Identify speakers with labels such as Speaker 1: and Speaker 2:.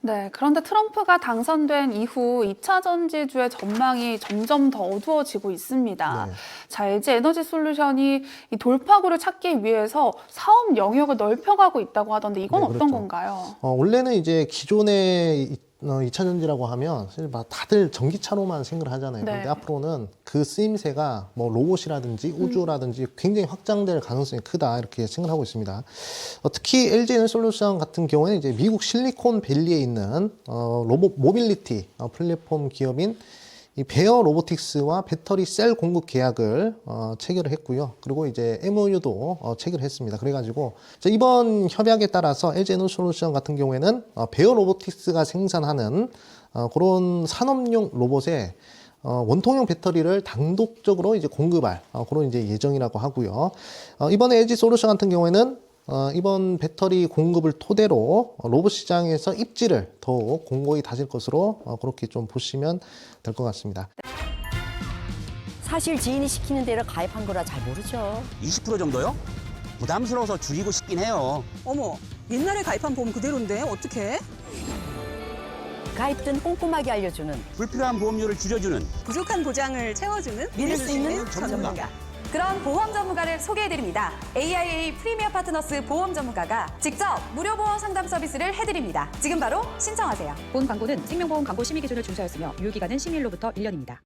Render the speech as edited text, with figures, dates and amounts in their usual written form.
Speaker 1: 네, 그런데 트럼프가 당선된 이후 2차 전지주의 전망이 점점 더 어두워지고 있습니다.
Speaker 2: 네.
Speaker 1: 자, LG 에너지 솔루션이 이 돌파구를 찾기 위해서 사업 영역을 넓혀가고 있다고 하던데 이건
Speaker 2: 네,
Speaker 1: 어떤
Speaker 2: 그렇죠.
Speaker 1: 건가요?
Speaker 2: 원래는 이제 기존의 2차 전지라고 하면 사실 막 다들 전기차로만 생각을 하잖아요.
Speaker 1: 네.
Speaker 2: 근데 앞으로는 그 쓰임새가 뭐 로봇이라든지 우주라든지 굉장히 확장될 가능성이 크다 이렇게 생각하고 있습니다. 특히 LG 에너솔루션 같은 경우에는 이제 미국 실리콘밸리에 있는 로봇 모빌리티 플랫폼 기업인 이 베어 로보틱스와 배터리 셀 공급 계약을 체결을 했고요. 그리고 이제 MOU도 체결을 했습니다. 그래가지고 이번 협약에 따라서 LG 에너솔루션 같은 경우에는 베어 로보틱스가 생산하는 그런 산업용 로봇에 원통형 배터리를 단독적으로 이제 공급할 그런 이제 예정이라고 하고요. 이번에 LG 솔루션 같은 경우에는 이번 배터리 공급을 토대로 로봇 시장에서 입지를 더욱 공고히 다질 것으로 그렇게 좀 보시면 될 것 같습니다.
Speaker 3: 사실 지인이 시키는 대로 가입한 거라 잘 모르죠.
Speaker 4: 20% 정도요? 부담스러워서 줄이고 싶긴 해요.
Speaker 5: 어머, 옛날에 가입한 보험 그대로인데 어떡해?
Speaker 3: 가입 전 꼼꼼하게 알려주는
Speaker 4: 불필요한 보험료를 줄여주는
Speaker 5: 부족한 보장을 채워주는
Speaker 3: 믿을 수 있는
Speaker 5: 전문가.
Speaker 6: 그런 보험 전문가를 소개해드립니다. AIA 프리미어 파트너스 보험 전문가가 직접 무료 보험 상담 서비스를 해드립니다. 지금 바로 신청하세요.
Speaker 7: 본 광고는 생명보험 광고 심의 기준을 준수하였으며 유효기간은 심의일로부터 1년입니다.